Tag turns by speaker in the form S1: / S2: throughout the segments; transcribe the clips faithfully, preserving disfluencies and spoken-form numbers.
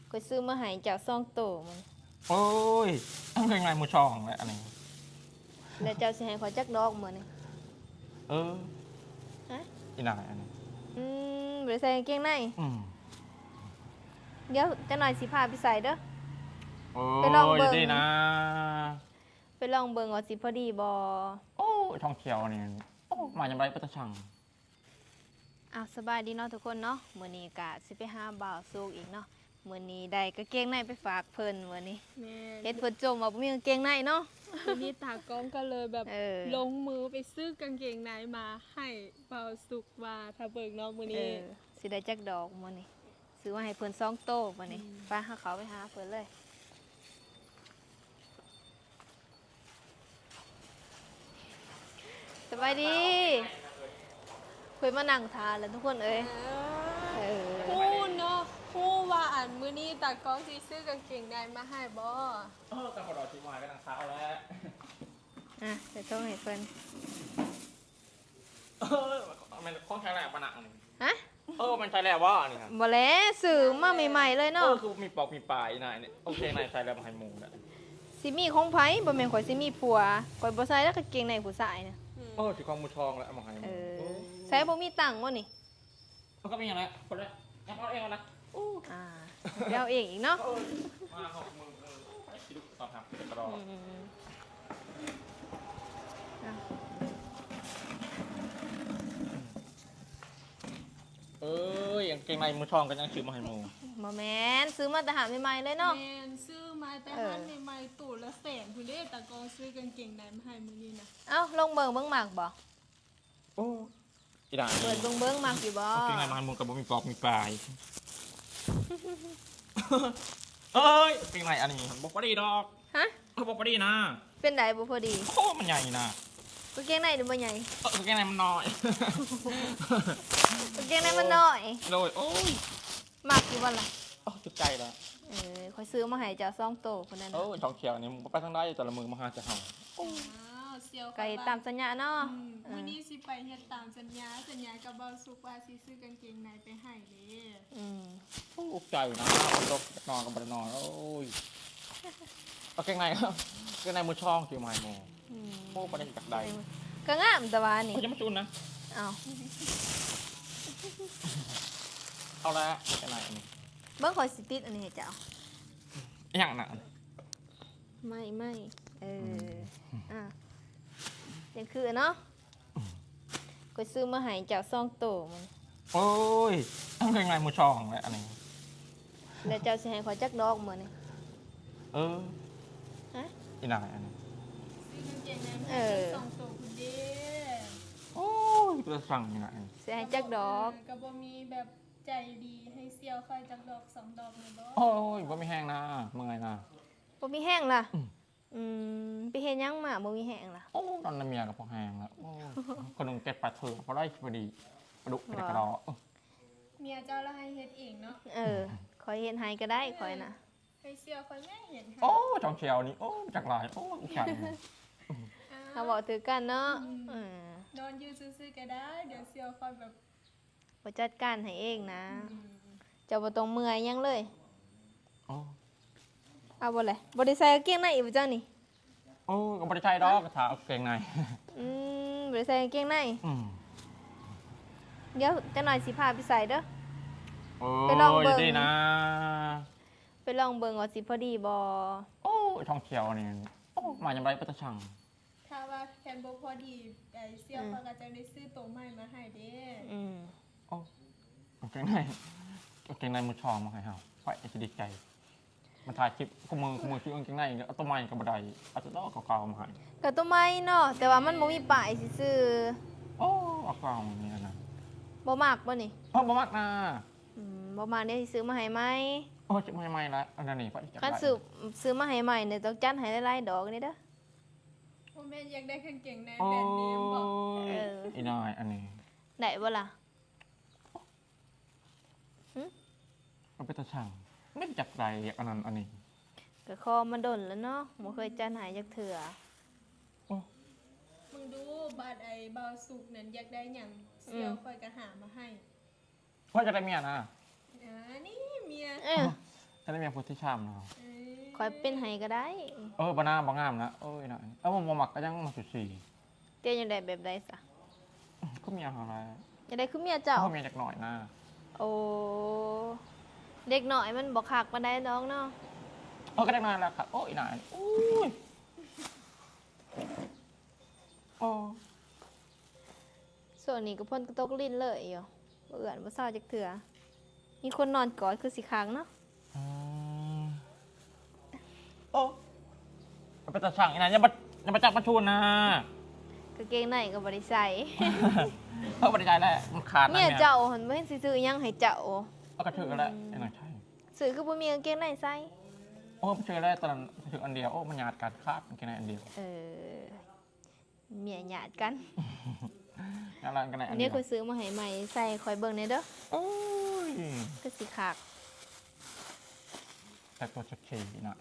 S1: ก็ซื้อมาให้เจ้าซองโตมัน
S2: โอ้ยต้องเป็นไงมือช่องเลยอันนี้
S1: แล้วเจ้าสิให้ขอยจักดอกมื้อนี่
S2: เออ
S1: ฮะ
S2: อีนายอันนี้
S1: อืมบ่ได้ใส่กางเกงใน
S2: อืม
S1: เดี๋ยวจักหน่อยสิพาไปใส่เด้อ
S2: โอ้
S1: ไปลองเบิ่
S2: ย
S1: ง
S2: ดีนะ
S1: ไปลองเบิ่งว่าสิพอดีบ่
S2: โอ้ยทองเขียวนี่โอ้มาอย่างไรปัตตชัง
S1: อ้าวสบายดีเนาะทุกคนเนาะมื้อนี้ก็สิไปหาบ่าวสุกอีกเนาะมื้อนี้ได้กางเกงในไปฝากเพิ่นมื้อนี้
S3: แม่
S1: เฮ็ดเพิ่นจมว่าบ่มีกางเกงในเนาะ
S3: ทีนี้ตากล้องก็เลยแบบ
S1: เออ
S3: ลงมือไปซื้อกางเกงในมาให้เบาสุกว่าถ้าเบิกเน้องมือ
S1: เอ
S3: นี้
S1: อสิได้จักดอกมื้อนี้ซื้อมาให้เพิ่นสองโตมื้อนี้ไปหาเขาไปหาเพิ่นเลยสบายดีเพิ่นมานั่งทานแล้วทุกคนเอ้ยเออ
S3: พูดเนาะพูดว่าอ่านมือนี้ตากล้องสิซื้อกางเกงในมาให้บ่
S2: เออกับพอดอชิมายก็นังเท้าแล้ว
S1: อ่ะเดี๋ยวโทรให้เพิ่น
S2: เออมันคล้องใช้แหลกปะหนักนี่
S1: ฮะ
S2: เออมันใช้แหลกว่านี่ครับ
S1: บ่แล้วซื้อมาใหม่ๆเลย
S2: เอ
S1: เนาะ
S2: อคือมีปอกมีปลายนายเนี่ยโอเคนายใช้แล้วมาให้หมูเนี่ย
S1: สิมีของไผบ่แม่นข่อยสิมีผัวข่อยบ่ใส่แล้วกางเกงในผู้ชายน่ะ
S2: เออถือของมือทองแล้วเอามาให้ห
S1: เอ
S2: มู
S1: อใส่บ่มีตังค์บ่นี่
S2: มันก็มีอย่างไรคนละเอาเองนะ
S1: อ่าเดี๋ยวเอาเองอีกเนาะ
S2: มาหกมือเออไปสิลูกตอนทำเดี๋ยวรอ
S1: อืมอ่ะ
S2: เอ้ยยังเกงในมือทองกันยังชื่อมาให้หมู
S1: บ่แม่นซื้อมาแต่หาใหม่ๆเลยเนาะ
S3: แมนซื้อมาแต่
S1: เออ
S3: หันใหม่ๆตู่ละแสนคุณเด้ตากล้องซื้อกางเกงในมาให้มือนี้นะ
S1: เอ้าลงเบิ่งเบิ่งหมากบ่
S2: โอ้อีด่า
S1: เปิดเบิ่งเบิ่งหมากอยู่บ่
S2: เกงในมาให้หมูกับบ่มีปอกมีปลายเอ้ยเกงในอันนี้บอกว่าดีดอก
S1: ฮะ
S2: เออบอกว่าดีนะ
S1: เป็นไดบ่พอดี
S2: โอ้มันใหญ่นะ
S1: กางเกงในหรือบ่ใหญ่
S2: เออเกงในมันน้อย
S1: กางเกงในมันน้อย
S2: โดยโอ้ย
S1: หมากอยู่บ่ล่ะ
S2: โอ้จุดใจแล้ว
S1: เออข่อยซื้อมาให้เจ้าซองโตคนนั้น
S2: โอ้
S1: น่ะ
S2: ยทองเขียวนี่มึงไปทางได้แต่ละมือมาหาจะเห่า
S3: อ้าวเซียว
S1: ไก่ตามสัญญาเนาะ
S3: อืม
S1: เอ
S3: มื
S1: อ
S3: อนี้สิไปเฮ็ดตามสัญญาสัญญากับเบาสุกว่าสิซื้อกางเกงในไปให้เด้
S1: อืม
S2: โอ้อุกใจนะรบนอนกับบนอนโอ้ยเอาเกงในครับเกงในมือช่องที่มาให้หมู
S1: อืม
S2: โอ้ประเด็นจากใด
S1: ก็งามแต่ว่านี่
S2: เขาจะมาจุนนะ
S1: เอ้า
S2: เอาละเกงในอันนี้
S1: เบิ่งข่อยสิติดอันนี้ให้เจ้า
S2: อย่างหนัก
S1: ไม่ไม่เอออ่ะยังคือเนาะก็ซื้อมาให้เจ้าซองโตมัน
S2: โอ้ยต้องเป็นไงมือช่องเลยอันนี้
S1: แล้วเจ้าสิให้ขอยจักดอกมื้อนี่
S2: เออ
S1: ฮะ
S2: อีนายอันนี้
S3: ซื้อกางเกงในมา
S1: เอ
S3: ให้
S1: อ
S3: สองตัวคุณเด้
S2: โอ้ยเพื่อสั่งอีนาย
S1: สิให้จักดอก
S3: ก็บ่มีแบบใจดีให้เซียวค่อยจักดอกสองดอกเลยบ่
S2: โอ้ยว่าไม่แห้งนะเมื่อยนะ
S1: บ่มีแห้งล่ะ
S2: อืม
S1: อืมไปเฮ็ดหยังมาบ่มีแห้งล่ะ
S2: โอ้ตอนนั้นเมียกับพอแห้งแล้วโอ้คนนึงเก็บปลาเถื่อพอได้พอดีปลาดุกกระกระดอ
S3: เมียเจ้าละให้เฮ็ดเองเนาะ
S1: เออขอยเฮ็ดให้ก็ได้ขอยน่ะ
S3: ให้เซียวค่อยแม่เห็นให้
S2: โอ้จองเชียวนี่โอ้จากลายโอ้อุกใจ
S1: เขาบอกถือกันเนาะเออน
S3: อนอยู่ซื่อๆก็ได้ เดี๋ยวเซียวค่อยแบบ
S1: บ่จัดการให้เองนะ
S3: อืม
S1: เจ้าบ่ต้องเมื่อยหยังเลย
S2: โอ้
S1: เอาบ่เลยบ่ได้ใส่กางเกงในอีกบ่เจ้านี่
S2: โอ้ก็ไม่ได้ใช่ดอกกระถาเอาเกงใน
S1: อืมบ่ได้ใส่กางเกงใน
S2: อืม
S1: เดี๋ยวจักหน่อยสิพาไปใส่เด้อ
S2: โอ้
S1: ไปลองเบิ่
S2: ย
S1: ง
S2: ดีนะ
S1: ไปลองเบิ่งว่าสิพอดีบ่
S2: โอ้ทองเขียวนี่โอ้มาอย่างไรปัตตชัง
S3: ถ้าว่าแคนบ่พอดีไอ้เซียวเขาก็จะได้ซื้อตัวใหม่มาให้เด้
S1: อืม
S2: โอ้เอาเกงในเอาเกงในมือชองมาให้เฮาไว้จะดีใจมันถ่ายคลิปขมือขมือชื่อเอาเกงในเอาตัวใหม่กับบันไดเอาตัวดอกเก่าๆมาให้
S1: ก็ตัวใหม่เนาะแต่ว่ามันบ่มีป้ายซื่อ
S2: โอ้เอาเก่าอย่างนี้นะ
S1: ๆบ่มักบ่นี่
S2: โอ้บ่มากนะ
S1: อืมบ่มักเดี๋ยวสิซื้อมาให้ใหม่
S2: โอ้จะไม่ไม่ละอันนั้นนี่ไปจับ
S1: คัน
S2: ได้
S1: ซื้อซื้อมาให้ใหม่เนี่ยต้องจัดให้หลายๆดอกนี่เด้อ
S3: พ่อแม่อยากได้กางเกงใน
S2: โอ้
S3: แบรนด์เนมบ่
S1: เออ
S2: ยอีนายอันนี้
S1: ได้บ่ล่ะ
S2: มันเป็นตาช่างไม่จับไรอย่างอันนั้นอันนี้
S1: ก็คอมันดนแล้วเนาะบ่เคยจัดให้จักเทื่อ
S3: มึงดูบาดไอ้เบาสุกนั่นอยากได้หยังเซียวค่อยก็หามาให้
S2: ว่าจะได้เมียนะ
S3: อ่านี่เมีย
S1: เออ
S2: ใจฉันได้เมียพุทธิชามเนาะ
S3: เอ้ย
S1: คอยเป็นไห้ก็ได้
S2: เออบานาบางงามนะเอ้ยหน่อยเออผมหมักก็ยังมาสุดสี่
S1: เตี้ยยังได้แบบใดซะ
S2: ก็มีอะไร
S1: ยังได้คือเมียเจ้า
S2: ก็มีจากหน่อยนะ
S1: โอ้เด็กหน่อยมันบอกคักปานใดน้องเนาะ
S2: เออก็ได้มาแล้วครับโอ้ยหน่อยอุ้ยโอ้
S1: ส่วนนี้ก็พ่นกระตกลิ้นเลยอยู่บ่เอื่อนบ่เศร้าจักเถื่อมีคนนอนกอดคือสิค้างเนาะ
S2: อืมโอ้ไปตัดสั่งอีนายอย่ามาอย่ามาจับมาชูนนะ
S1: กางเกงในก็บ่ได้ใส่
S2: เออบริจาคแล้วมันขาดนะ
S1: เมียเจ้าหันบ่เห็นสิซื้อหยังให้เจ้า
S2: เอากระถือแล้วไอ้หน่อยใช่
S1: ซื้อคือบ่มีกางเกงในใส่
S2: โอ้ไปเจอแล้วตอนนั้นถืออันเดียวโอ้มันหยาดการคาดมันแค่ไหนอันเดียว
S1: เออเมียหยาดกัน
S2: งานร้านกันไหน
S1: อั
S2: อั
S1: น
S2: น
S1: นี้
S2: เดียว
S1: คอยซื้อมาให้ใหม่ใส่คอยเบิ่งในอยเด้อ
S2: โอ้ย
S1: คือสิคัก
S2: แต่ตัวชักชีนะ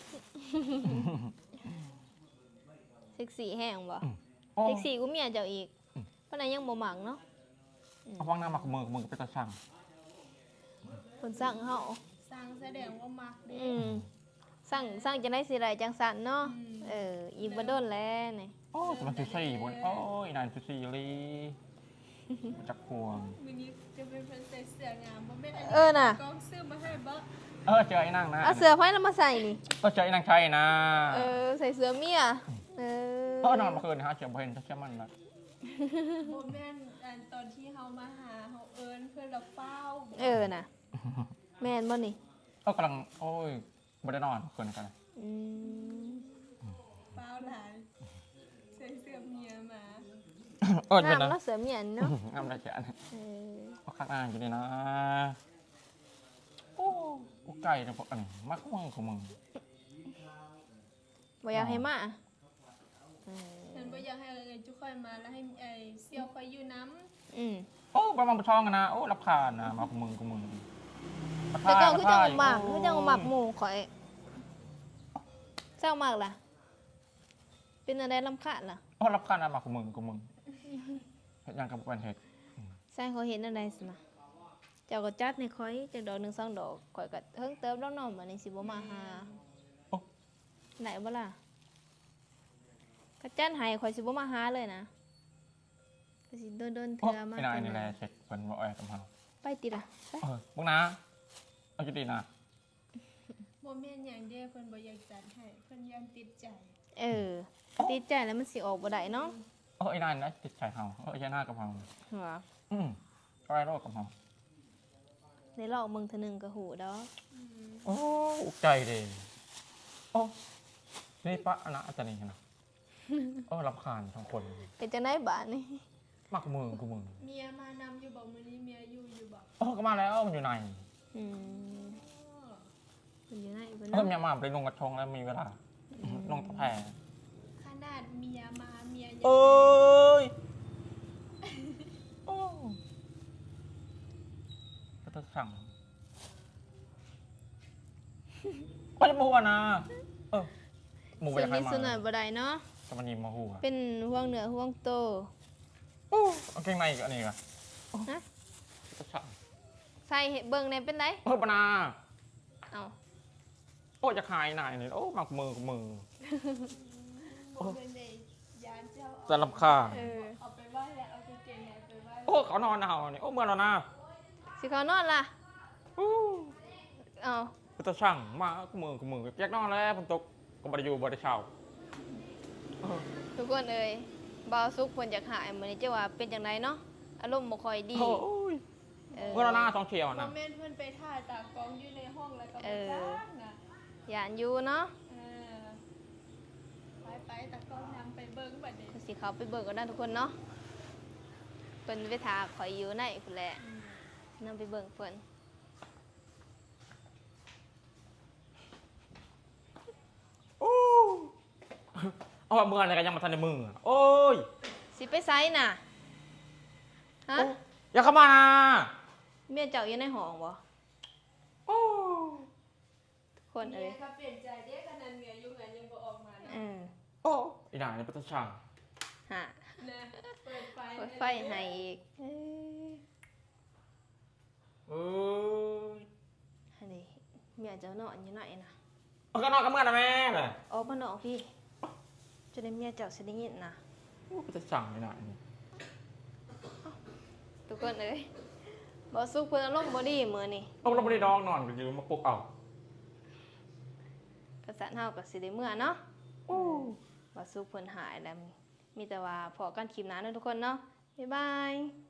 S1: เซ็กซี่แห้งบ่
S2: โอ้
S1: เซ็กซี่กูเมียเจ้าอีกปานนั้นยังบ่หมักเนาะ
S2: เอาวางหน้ามากับมือกับมือกับไปตัดสั่ง
S1: เพิ่นสั่งเฮา
S3: สร้างแสดงว่ามักเด้
S1: อืมสั่งสั่งจังได้สิไรจังสันเนาะ
S3: อืม
S1: เอออีกบ่โดนแล้วนี่
S2: โอ้จะมาซูซี่บนโอ้ยนายซูซี่ลีมาจากพวง
S3: มื้อนี้จะเป็นเพิ่นใส่เสื้องามบ่แม่นอันนี้
S1: เออน่ะ
S3: กองซื้อมาให้บ่
S2: เออเจอไอ้นั่งนะ
S1: เอาเสื้อไผแล้วมาใส่นี่
S2: ก็เจอไอ้นั่งใช่นะ
S1: เออใส่เสื้อเมียเออ
S2: เออนอนเมื่อคืนนะฮะเจอเพนเชื่อมันนะ
S3: บ่แม่นอันตอนที่เฮามาหาเฮาเอิ้นเพิ่นละเฝ้า
S1: เออน่ะแม่นบ่นี่
S2: เออกำลังโอ้ยไม่ได้นอนเมื่อคืนกัน
S1: อืม
S3: เฝ้าหลายใส่เสื้อเมียมา
S2: เออ
S1: งา
S2: เป็น
S1: ม
S2: นะ
S1: เนาะเสื้อเมียนเนาะ
S2: งามได้เจ้า
S1: เออ
S2: ก็ข้างอ่างอยู่นี่นะโอ้กูไก่เนี่ยพวกอันนี้มากมึงของมึง
S1: บ่อยากให้มาเออ
S3: ฉันบ่อยากให้เอ้ยจุค่อยมาแล้วให้ไอ้เสี่ยวค่อยอยู่น้ำ
S1: อืม
S2: โอ้ประมาณประชองกันนะโอ้รับคานนะมาของมึงของมึง
S1: แต่เจ้าคือจังหมัก
S2: โอ้
S1: คือจังหมักหมู่ข่อยเจ้าหมักล่ะ เป็นอะไรรำคาญล่ะ
S2: โอ้รับคานนะมาของมึงของมึงเห็นยังกับเป็นเหตุ
S1: ใส่เขาเห็นอะไรสินะเจ้าก็จัดในข่อยจักดอกหนึ่งสองดอกข่อยก็เฮิงเติมแล้วเน้องมันนี่สิบ่มาหา
S2: โอ้
S1: ไหนบ่ล่ะก็จัดให้ข่อยสิบ่มาหาเลยนะก็สิโดนโดนๆ
S2: โอ้
S1: เทื่อมา
S2: ไอ้นาย
S1: เทื่อ
S2: นี่แห
S1: มา
S2: ละเช็คเป็นว่าแอบกับเรา
S1: ไปติล่ะไป
S2: เออมึงนะเอาจุดดีนะ
S3: บ่แม่นหยังเด้เพิ่นบ่อยากจัดให้เพิ่นยันติดใจ
S1: เออติดใจแล้วมันสิออกบ่ได้เนาะ
S2: เออไอ้นายนะติดใจเราเออไอ้หน้ากับเรา
S1: หัว
S2: อืมอะไรโรคกับเรา
S1: ได้ลอกเบิ่งเทื่อหนึงก็หูดอก
S3: อืม
S2: โอ้อุกใจดีโอ้นี่ปะอันนะอาจารย์นี่นะเออรำคาญทั้งคน
S1: เป็นจังได๋บาดนี่
S2: มากกับมึงกับมึง
S3: เมียมานำอยู่บ่มื้อนี้เมียอยู่อยู่บ่
S2: เออก็มาแล้วมันอยู่ใน
S1: อืม
S3: อ้อ
S1: มันอยู่ไหนบ่
S2: เออ
S1: เนาะ
S2: เมียมาไปลงกระทงแล้วมีเวลาลงตะแพร่
S3: ขนาดเมียมาเมียยัง
S2: เอ้ยโอ้ก็ต้องสั่งก็จะมาหัวนะเออหมูไป
S1: ส่วน
S2: จากใคร
S1: นี้
S2: มา
S1: ส่วนหน่อยบ่ได้เนาะ
S2: จะมานีมาหัว
S1: เป็นห่วงเหนือห่วงโต
S2: โอ้เอาเกงในอีกอันนี้ก่ะ
S1: ฮะ
S2: ก็สั่ง
S1: ใส่เบิ่งในเป็นได
S2: เออปนา
S1: เอ้า
S2: โอ้จะขายนายนี่โอ้มักมือกับมือ
S3: บ่แม่นได้ยานเจ้า
S2: จะ
S3: เอา
S2: รำคาญ
S1: เออ
S3: เอาไปไหว้แล้วเอากางเกงในไปไหว้
S2: โอ้เขานอนเอาเนี่ยโอ้เมื่อเรานะ
S1: สิเขานอนล่ะ
S2: โอ้
S1: เอ้า
S2: ก็จะสั่งมากับมือกับมือแยกนอนแล้วผมตกก็บริยูบริเช่าเออ
S1: ทุกคนเอ้ยบ่าวสุกเพิ่นอยากหายมื้อนี้จะว่าเป็นจังไดเนาะอารมณ์บ่ค่อยดี
S2: โอ้ย
S1: เออ
S2: เมื่อเราหน้าสองเชียว
S3: บ่
S2: นะ
S3: แม่นเพิ่นไปถ่ายตากล้องอยู่ในห้องแล้วก็
S1: เอ
S3: บ่
S1: อ
S3: จ้างน่ะ
S1: ย่านอยู่เนาะ
S3: เออไปไปตากล้องนำไปเบิ่งบัดนี้
S1: ก็สิเข้าไปเบิ่งกันนะทุกคนเนาะเพิ่นไปทาข่อยอยู่ในพุ่นแหละ
S3: อืม
S1: นำไปเบิ่งเพิ่น
S2: โอ้เอาว่าเมื่ออะไรกันยังมาทันในมือโอ้ย
S1: สิไปไสน่ะฮะ
S2: โอ้อย่าเข้ามานะ
S1: เมียเจ้าอยู่ในห้องบ่
S2: โอ้
S1: ทุกคนเอ้ย
S3: เมียเขาเปลี่ยนใจเด้ขนาดเมียอยู่งานยังบ่ออกมานะ
S1: อืม
S2: โอ้อีนายนี่เป็นตาช่าง
S1: ฮะ
S3: นะเปิดไฟ
S1: เปิดไฟให้อีกเอ้ย
S2: เอ้ย
S1: อันนี้เมียเจ้าเนาะอยู่ไหนนะ
S2: เอาก็นอนกับเมื่อนะแม่เลย
S1: ออกมาเนาะพี่จะได้เมียเจ้าสิได้ยินนะ
S2: จะสั่งไม่ได้นี่
S1: ทุกคนเอ้ยบ่สุกเพิ่นอารมณ์บ่ดีมื้อนี้
S2: ต้องเราไม่ได้นอนนอนก็ยืมมาปลุกเอา
S1: กษัตริย์เฮาก็สิได้เมื่อเนาะบ่สุกเพิ่นหายแล้วมีแต่ว่าพอกันคลิปหน้าเนาะทุกคนเนาะบ๊ายบาย